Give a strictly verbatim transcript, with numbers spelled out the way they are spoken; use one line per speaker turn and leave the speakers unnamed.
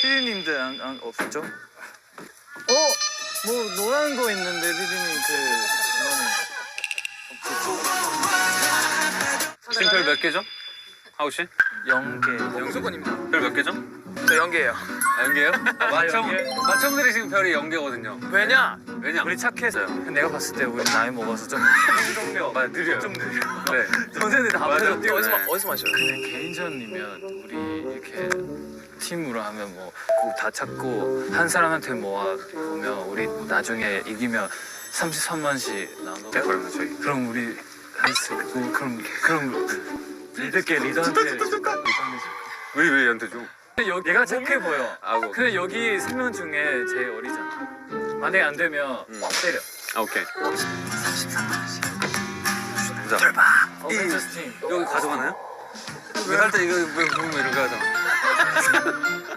피디님들 안, 안 없었죠? 어? 뭐 노란 거 있는데 피디님 그 이거는
지금 별 몇 개죠? 하우 씨?
영계.
영수건입니다. 별 몇 개죠?
저 연계예요.
아, 연계요? 아, 맞청
연계?
맞청들이 지금 별이 연계거든요.
왜냐?
왜냐?
우리 착해서요. 내가 봤을 때 우리 나이 먹어서 좀
성격 아, 느려요.
좀 느려.
네.
선생님들 다
맞아.
앞에서 뛰어.
어디서
네.
마, 어디서 마셔요?
근데 개인전이면 우리 이렇게 팀으로 하면 뭐 다 찾고 한 사람한테 모아 보면 우리 나중에 이기면 삼십삼만씩 나눠.
네, 그러면 저희
그럼 우리 할수 있고 그럼 그럼 리더께 리더한테 리더한테
왜왜 얘한테 줘?
여기 얘가 착해 보여.
아고.
근데 여기 세 명 중에 제일 어리잖아. 만약에 안 되면
음.
때려.
아 오케이. 보자.
어벤져스 팀.
여기 가져가나요? 왜 할 때 이거 왜 보면 이렇게 하잖아.